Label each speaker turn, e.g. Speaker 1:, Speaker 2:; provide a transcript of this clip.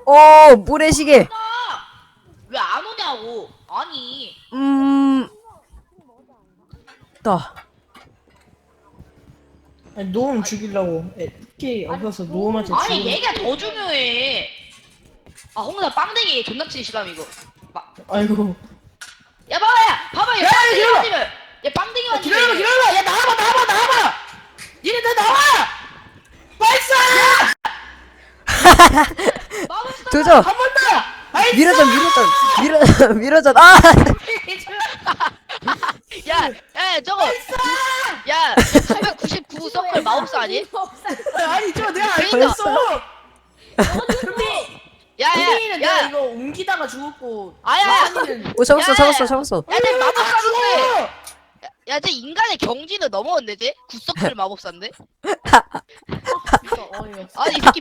Speaker 1: 오, 모래시계.
Speaker 2: 왜 안 오냐고. 아니.
Speaker 1: 또.
Speaker 3: 아니, 노움 죽이려고. PK 없어서 노움한테
Speaker 2: 아니
Speaker 3: 죽이려고.
Speaker 2: 얘가 더 중요해. 아 홍사 빵댕이 존나 치기 싫어 이거.
Speaker 3: 아이고.
Speaker 2: 야 봐봐 얘 빵댕이
Speaker 3: 기다려봐.
Speaker 2: 만지면 얘 빵댕이 만지면
Speaker 3: 기다려봐. 야, 나와봐. 얘네 다 나와! 발사!
Speaker 1: 조져.
Speaker 3: 한 번 더! 발사!
Speaker 1: 밀어줘. 아!
Speaker 2: 야 저거 야 999 서클 마법사 아니?
Speaker 3: 아니, 저 내가 알고
Speaker 2: 그러니까.
Speaker 3: 있어! 야,
Speaker 2: 야야야
Speaker 3: 이거 옮기다가 죽었고.
Speaker 2: 아야
Speaker 3: 마한이는
Speaker 1: 오, 잡았어.
Speaker 2: 야쟤 마법사인데 야쟤 인간의 경지는 넘어왔네 쟤? 9서클 마법사인데?
Speaker 3: 진짜 어이없어.
Speaker 2: 아니 이 새끼